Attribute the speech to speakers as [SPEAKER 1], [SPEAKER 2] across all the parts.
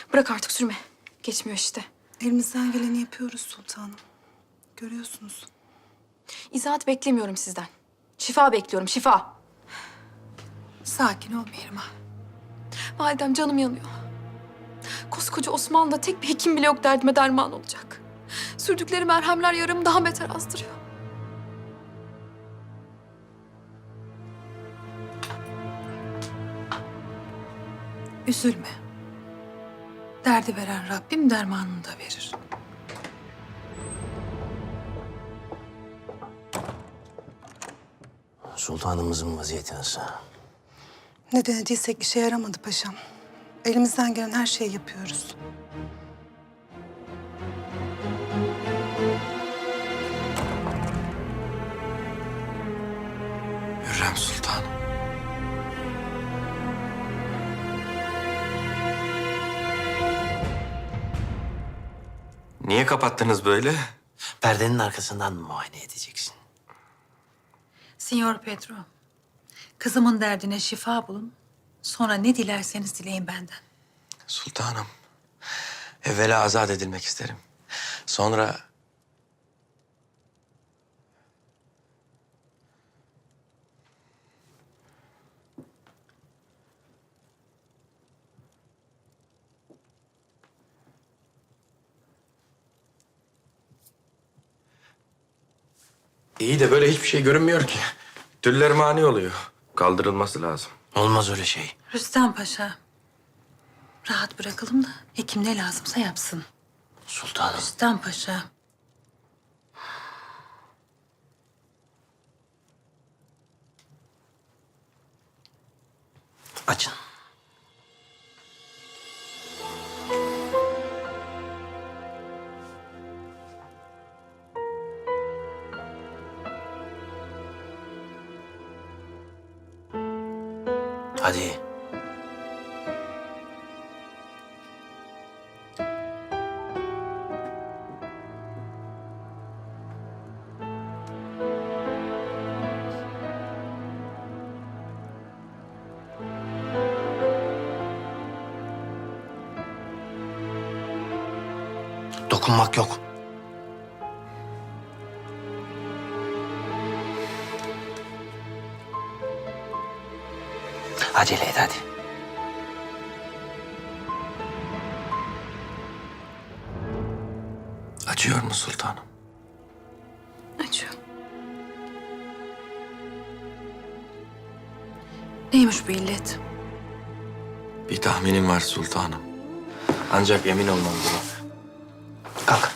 [SPEAKER 1] Bırak artık sürme. Geçmiyor işte.
[SPEAKER 2] Elimizden geleni yapıyoruz sultanım. Görüyorsunuz.
[SPEAKER 1] İzahat beklemiyorum sizden. Şifa bekliyorum, şifa.
[SPEAKER 2] Sakin ol Mihrimah.
[SPEAKER 1] Validem canım yanıyor. Koskoca Osmanlı'da tek bir hekim bile yok derdime derman olacak. Sürdükleri merhemler yaramı daha beter azdırıyor.
[SPEAKER 2] Üzülme. Derdi veren Rabbim dermanını da verir.
[SPEAKER 3] Sultanımızın vaziyeti nasıl?
[SPEAKER 2] Ne denediysek işe yaramadı paşam. Elimizden gelen her şeyi yapıyoruz.
[SPEAKER 4] Hürrem Sultan. Niye kapattınız böyle?
[SPEAKER 3] Perdenin arkasından mı muayene edeceksin?
[SPEAKER 5] Signor Pedro, kızımın derdine şifa bulun. Sonra ne dilerseniz dileyin benden.
[SPEAKER 4] Sultanım, evvela azat edilmek isterim. Sonra... İyi de böyle hiçbir şey görünmüyor ki. Tüller mani oluyor. Kaldırılması lazım.
[SPEAKER 3] Olmaz öyle şey.
[SPEAKER 5] Rüstem Paşa, rahat bırakalım da hekim ne lazımsa yapsın.
[SPEAKER 3] Sultanım.
[SPEAKER 5] Rüstem Paşa.
[SPEAKER 3] Açın. Hadi. Dokunmak yok. Acele et hadi.
[SPEAKER 4] Acıyor mu sultanım?
[SPEAKER 1] Acıyor.
[SPEAKER 5] Neymiş bu illet?
[SPEAKER 4] Bir tahminim var sultanım. Ancak emin olmam gerek.
[SPEAKER 3] Kalk.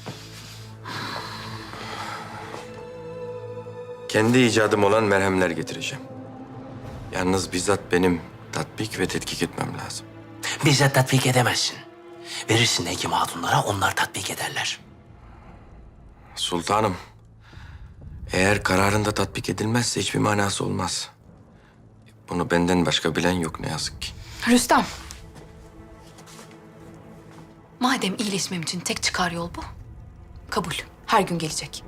[SPEAKER 4] Kendi icadım olan merhemler getireceğim. Yalnız bizzat benim tatbik ve tetkik etmem lazım.
[SPEAKER 3] Bizzat tatbik edemezsin. Verirsin hekim hatunlara, onlar tatbik ederler.
[SPEAKER 4] Sultanım, eğer kararında tatbik edilmezse hiçbir manası olmaz. Bunu benden başka bilen yok ne yazık ki.
[SPEAKER 1] Rüstem. Madem iyileşmem için tek çıkar yol bu. Kabul. Her gün gelecek.